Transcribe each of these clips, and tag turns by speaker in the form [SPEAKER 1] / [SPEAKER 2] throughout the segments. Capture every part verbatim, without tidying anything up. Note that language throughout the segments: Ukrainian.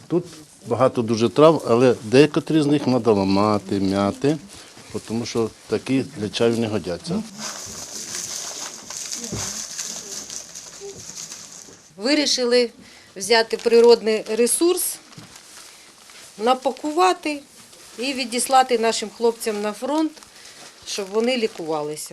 [SPEAKER 1] Тут багато дуже трав, але деякі з них треба ламати, м'яти, тому що такі для чаю не годяться.
[SPEAKER 2] Вирішили взяти природний ресурс, напакувати і відіслати нашим хлопцям на фронт, щоб вони лікувалися.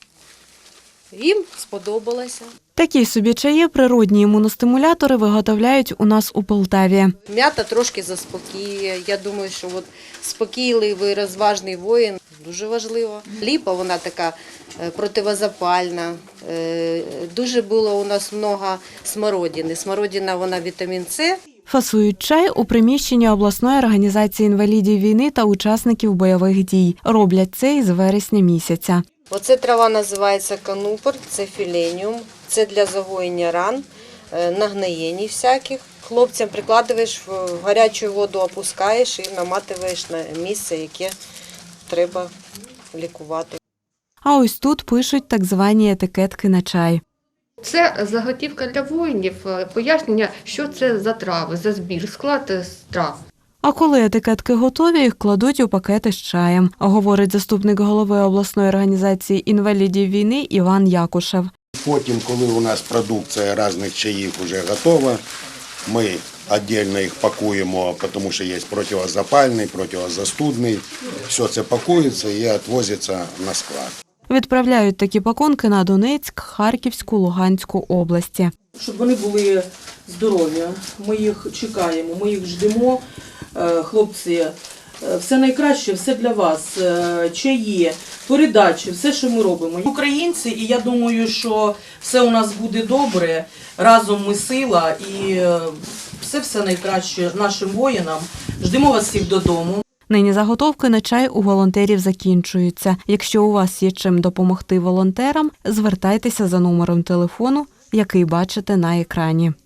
[SPEAKER 2] Їм сподобалося.
[SPEAKER 3] Такі собі чаї природні імуностимулятори виготовляють у нас у Полтаві.
[SPEAKER 2] М'ята трошки заспокоює. Я думаю, що от спокійливий, розважний воїн дуже важливо. Ліпа, вона така противозапальна. Дуже було у нас багато смородини. Смородина, вона вітамін С.
[SPEAKER 3] Фасують чай у приміщенні обласної організації інвалідів війни та учасників бойових дій. Роблять це із вересня місяця.
[SPEAKER 2] Оце трава називається канупор, це філеніум, це для загоєння ран, нагноєнь всяких. Хлопцям прикладаєш, в гарячу воду опускаєш і наматуєш на місце, яке треба лікувати.
[SPEAKER 3] А ось тут пишуть так звані етикетки на чай.
[SPEAKER 4] Це заготівка для воїнів, пояснення, що це за трави, за збір, склад трав.
[SPEAKER 3] А коли етикетки готові, їх кладуть у пакети з чаєм, говорить заступник голови обласної організації інвалідів війни Іван Якушев.
[SPEAKER 5] Потім, коли у нас продукція різних чаїв вже готова, ми окремо їх пакуємо, тому що є протизапальний, протизастудний. Все це пакується і відвозиться на склад.
[SPEAKER 3] Відправляють такі пакунки на Донецьк, Харківську, Луганську області.
[SPEAKER 6] Щоб вони були здорові, ми їх чекаємо, ми їх ждемо. Хлопці, все найкраще, все для вас, чаї, передачі, все, що ми робимо. Українці, і я думаю, що все у нас буде добре, разом ми сила і все-все найкраще нашим воїнам. Ждемо вас всіх додому.
[SPEAKER 3] Нині заготовки на чай у волонтерів закінчуються. Якщо у вас є чим допомогти волонтерам, звертайтеся за номером телефону, який бачите на екрані.